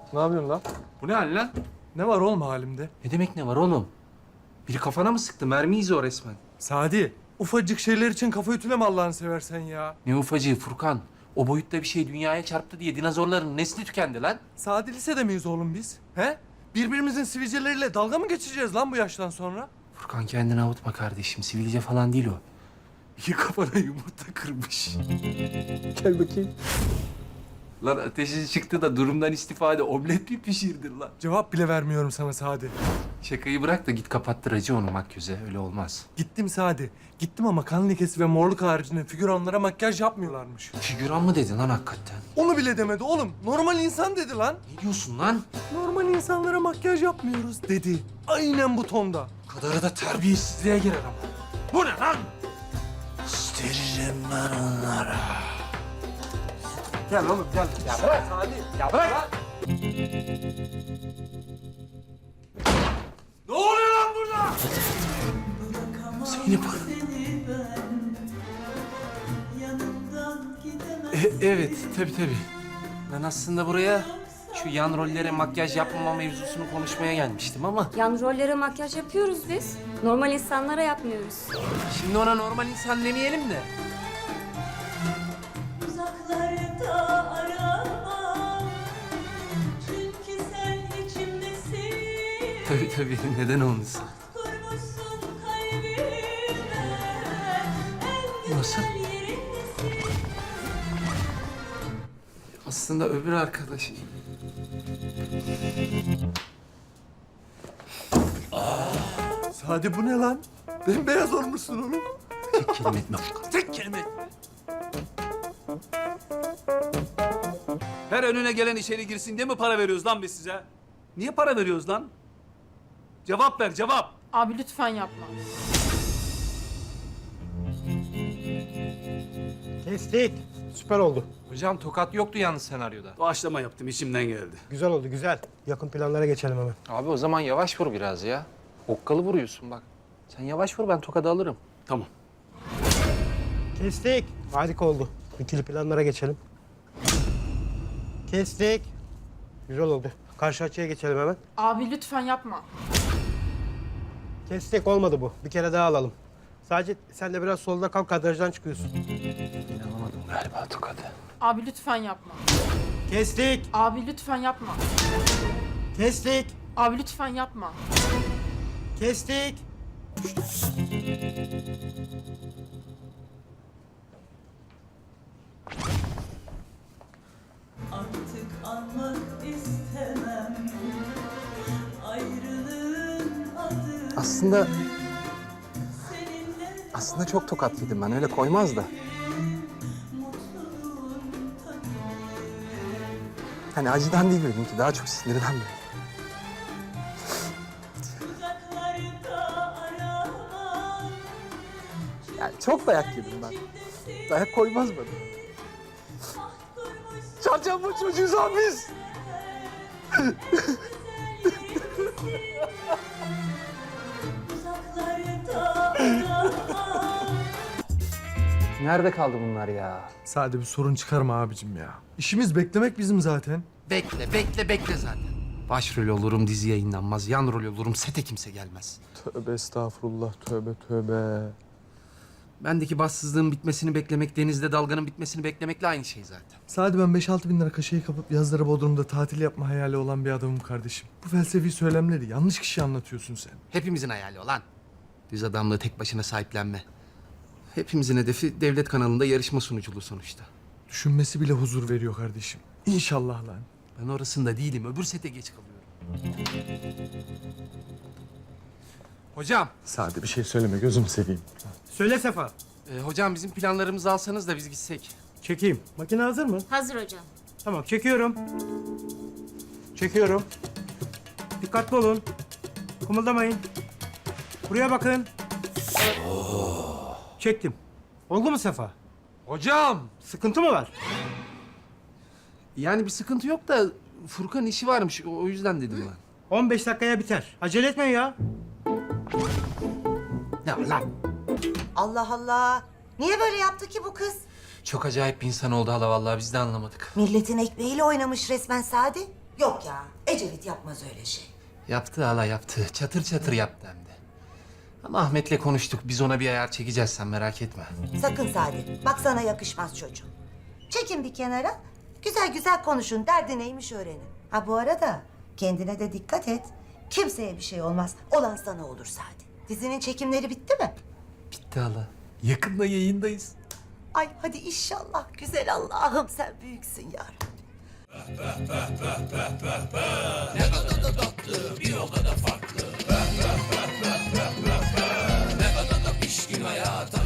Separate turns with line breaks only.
Ne yapıyorsun lan?
Bu ne hal lan?
Ne var oğlum halimde?
Ne demek ne var oğlum? Biri kafana mı sıktı? Mermi izi o resmen.
Sadi, ufacık şeyler için kafa ütüleme Allah'ını seversen ya.
Ne ufacığı Furkan? O boyutta bir şey dünyaya çarptı diye dinozorların nesli tükendi lan.
Sadi lisede miyiz oğlum biz? He? Birbirimizin sivilceleriyle dalga mı geçeceğiz lan bu yaştan sonra?
Furkan kendini avutma kardeşim. Sivilce falan değil o. İki kafana yumurta kırmış.
Gel bakayım.
Lan ateşi çıktı da durumdan istifade omlet mi pişirdin lan?
Cevap bile vermiyorum sana Sadi.
Şakayı bırak da git kapattır acı onu makyöze. Öyle olmaz.
Gittim Sadi. Gittim ama kan lekesi ve morluk haricinde figüranlara makyaj yapmıyorlarmış.
Figüran mı dedin lan hakikaten?
Onu bile demedi oğlum. Normal insan dedi lan.
Ne diyorsun lan?
Normal insanlara makyaj yapmıyoruz dedi. Aynen bu tonda.
Kadarı da terbiyesizliğe girer ama. Bu ne lan? İsteririm ben onlara.
Gel oğlum gel. Ya bırak Sadi.
Ya bırak! Ne oluyor lan burada? Zeynep Hanım. Evet, tabii. Ben aslında buraya şu yan rollere makyaj yapmama mevzusunu konuşmaya gelmiştim ama...
Yan rollere makyaj yapıyoruz biz. Normal insanlara yapmıyoruz.
Şimdi ona normal insan demeyelim de.
Uzaklarda aramam. Çünkü sen içimdesin.
Tabii, neden olmasın?
Kurmuşsun kalbime. En
Nasıl?
güzel yerindesin.
Aslında öbür arkadaş...
Sadi bu ne lan? Bembeyaz olmuşsun oğlum.
Tek kelime etme Furkan, tek kelime etme.
Her önüne gelen içeri girsin diye mi para veriyoruz lan biz size? Niye para veriyoruz lan? Cevap ver, cevap.
Abi lütfen yapma.
Kestik. Süper oldu.
Hocam tokat yoktu yalnız senaryoda.
Doğaçlama yaptım, içimden geldi.
Güzel oldu, güzel. Yakın planlara geçelim hemen.
Abi o zaman yavaş vur biraz ya. Okkalı vuruyorsun bak. Sen yavaş vur, ben tokadı alırım.
Tamam.
Kestik. Harika oldu. İkili planlara geçelim. Kestik. Güzel oldu. Karşı açıya geçelim hemen.
Abi lütfen yapma.
Kestik, olmadı bu. Bir kere daha alalım. Sadece sen de biraz solda kal, kadrajdan çıkıyorsun.
Alamadım galiba tokadı.
Abi lütfen yapma.
Kestik.
Abi lütfen yapma.
Kestik.
Abi lütfen yapma.
Kestik.
Artık anmak istemem. Ayrılığın adı
Aslında
seninle
çok tokat yedim ben. Öyle koymaz da.
mutluluğun tadı.
Hani acıdan değil benimki. Daha çok sinirden böyle.
Uzaklarda aramam.
Yani çok dayak yedim ben. Dayak koymaz bana. Çarçamba çocuğuz abi biz.
Uzaklarda aramam.
Nerede kaldı bunlar ya?
Sadi bir sorun çıkarma abicim ya. İşimiz beklemek bizim zaten.
Bekle zaten. Başrol olurum, dizi yayınlanmaz. Yan rol olurum, sete kimse gelmez.
Tövbe estağfurullah, tövbe.
Bendeki bassızlığın bitmesini beklemek, denizde dalganın bitmesini beklemekle aynı şey zaten.
Sadi ben 5-6 bin lira kaşeyi kapıp yazları Bodrum'da tatil yapma hayali olan bir adamım kardeşim. Bu felsefi söylemleri yanlış kişi anlatıyorsun sen.
Hepimizin hayali olan. Düz adamlığı tek başına sahiplenme. Hepimizin hedefi devlet kanalında yarışma sunuculuğu sonuçta.
Düşünmesi bile huzur veriyor kardeşim. İnşallah lan.
Ben orasında değilim, öbür sete geç kalıyorum. Hocam,
Sadi bir şey söyleme gözümü seveyim.
Söyle Sefa.
hocam bizim planlarımızı alsanız da biz gitsek.
Çekeyim. Makine hazır mı?
Hazır hocam.
Tamam, çekiyorum. Çekiyorum. Dikkatli olun. Kımıldamayın. Buraya bakın. Çektim. Oldu mu Sefa?
Hocam!
Sıkıntı mı var?
Yani bir sıkıntı yok da Furkan işi varmış, o yüzden dedim ben.
15 dakikaya biter. Acele etmeyin ya.
Ne var lan?
Allah Allah. Niye böyle yaptı ki bu kız?
Çok acayip bir insan oldu hala vallahi biz de anlamadık.
Milletin ekmeğiyle oynamış resmen Sadi. Yok ya, Ecevit yapmaz öyle şey.
Yaptı hala yaptı. Çatır çatır yaptı hem de. Ama Ahmet'le konuştuk. Biz ona bir ayar çekeceğiz, sen merak etme.
Sakın Salih, bak sana yakışmaz çocuğum. Çekin bir kenara, güzel güzel konuşun, derdi neymiş öğrenin. Ha bu arada kendine de dikkat et. Kimseye bir şey olmaz, olan sana olur Sadi. Dizinin çekimleri bitti mi?
Bitti hala. Yakında yayındayız.
Ay hadi inşallah, güzel Allah'ım sen büyüksün ya Rabbi.
Hayata